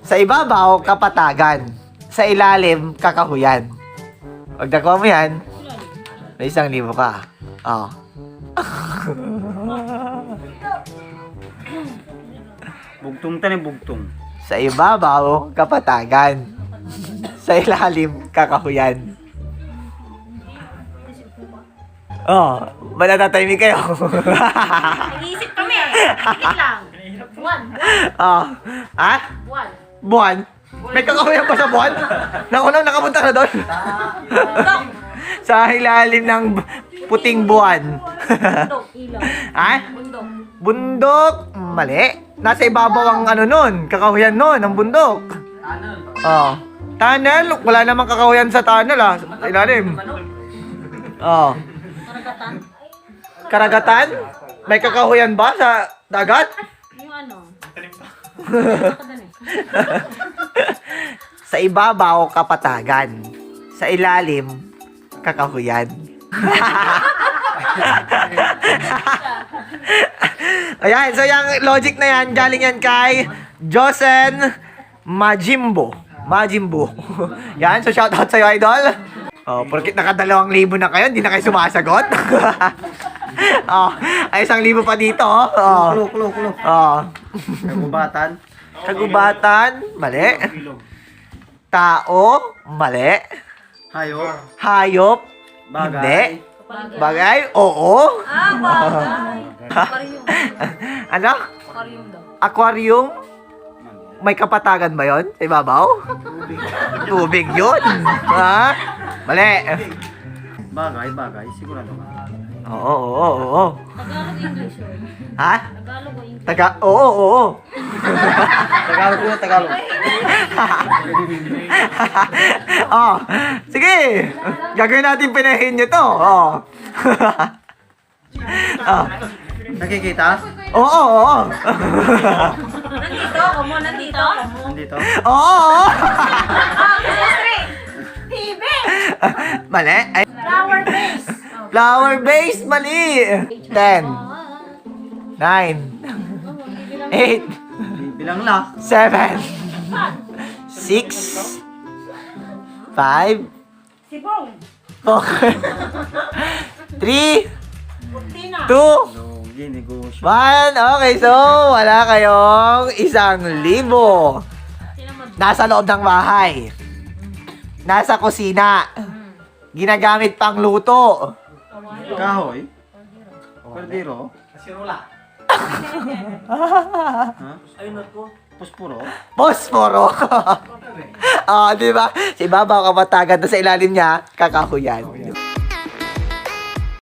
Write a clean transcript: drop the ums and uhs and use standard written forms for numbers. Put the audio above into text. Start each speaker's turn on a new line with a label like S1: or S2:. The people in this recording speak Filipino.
S1: Sa ibabaw, kapatagan. Sa ilalim, kakahuyan. Pag nakuha mo yan, may 1,000 ka. Oh.
S2: Bugtong tani bugtong.
S1: Sa ibabaw, kapatagan. Sa ilalim, kakahuyan. Oh, manatatahimik kayo.
S3: Nag-iisip kami. Higit lang. Buwan.
S1: Oh. Ha?
S3: Buwan.
S1: Buwan? May kakahuyan pa sa buwan? Nakunang nakapunta na doon. Sa ilalim ng puting buwan.
S3: Bundok. Ilaw.
S1: Ha?
S3: Bundok.
S1: Bundok? Mali. Nasa ibabaw ang ano nun. Kakahuyan nun, ang bundok. Oh. Tunnel? Wala namang kakahuyan sa tunnel ah. Sa ilalim. Oh.
S3: Karagatan.
S1: Karagatan? May kakahuyan ba sa dagat?
S3: Yung ano?
S1: Sa ibabaw, kapatagan. Sa ilalim, kakahuyan. Ayan, so yung logic na yan, galing yan kay Josen Majimbo. Majimbo. Yan, so shoutout sa'yo, idol. Oh, porkit naka2,000 na kayo, hindi na kayo sumasagot. Oh, ay 1,000 pa dito, oh.
S2: Kulo.
S1: Oh.
S2: Kagubatan.
S1: Kagubatan, mali. Tao, mali.
S2: Hayo.
S1: Hayop,
S2: Bagay.
S1: hindi. Bagay, oo.
S3: Bagay. Aquarium.
S1: Ano?
S3: Aquarium daw.
S1: Aquarium? May kapatagan ba yon? Sa ibabaw? Tubig yun. Ha? Mali.
S2: Bagay. Sigurado ka.
S1: Oo.
S3: Tagalog English yun.
S1: Ha?
S3: Tagalog o English.
S1: Oo.
S2: Tagalog ko na Tagalog.
S1: Oh, sige. Gagawin natin pinahin nyo to. Oh. Oh.
S2: Nakikita?
S1: Oo.
S3: Nandito? Kamo nandito?
S2: Nandito.
S1: Oo.
S3: Street. TV.
S1: Mali. Ay,
S3: Flower base.
S1: flower base, mali. 10, 9, 8,
S2: Bilang la.
S1: 7, 6, 5,
S3: Sibong.
S1: 4, 3,
S3: Tina.
S1: 2,
S2: Logi, negosyo.
S1: 1. Okay, so wala kayong 1,000. Nasa loob ng bahay. Nasa kusina. Ginagamit pang luto.
S2: Kahoy. Perdiro. Ha? Puspuro.
S1: Posporo. Oh, di ba? Sa ibabaw kapatagan, sa ilalim niya, kakahuyan.